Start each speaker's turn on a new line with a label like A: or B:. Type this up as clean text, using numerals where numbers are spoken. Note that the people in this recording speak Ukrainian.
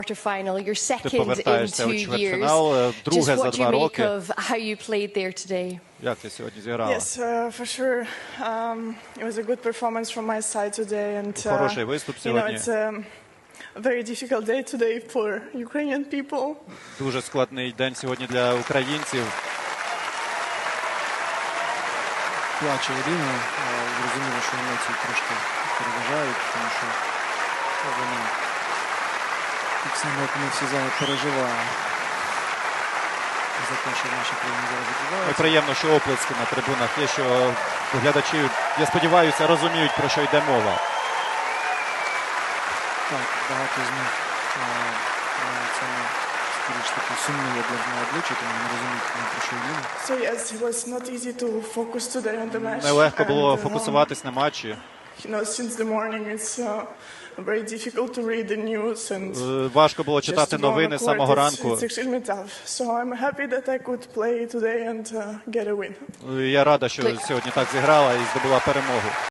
A: Quarterfinal, your
B: Ти
A: second in
B: повертаєшся
A: 2
B: у
A: years.
B: чвертьфінал,
A: Just
B: друге за
A: what do you
B: 2
A: make
B: роки.
A: of how you played there today?
B: Як ти сьогодні зіграла?
C: Yes, for sure. It was a good performance from my side today, and
B: Хороший виступ сьогодні.
C: it's a very difficult day today for Ukrainian people.
B: Дуже складний день сьогодні для українців.
D: Плаче Ірина, зрозуміло, що емоції трошки переважають, тому що вона так само, як ми всі зараз переживає за те, що в нашій країні зараз
B: І
D: відбувається.
B: приємно, що оплески на трибунах є, що глядачі, я сподіваюся, розуміють, про що йде мова.
D: Так, багато з них це скоріш таки сумні на обличчя, тому не розуміють, про що йде.
C: So yes, it was not easy to focus today on the match.
B: Нелегко було
C: and,
B: фокусуватись на матчі.
C: Since the morning it's very difficult to read the news and
B: Важко було
C: just
B: читати
C: to go on
B: новини
C: the
B: з
C: court.
B: самого ранку.
C: It's extremely tough. So I'm happy that I could play today and get a win.
B: Я рада, що сьогодні так зіграла і здобула перемогу.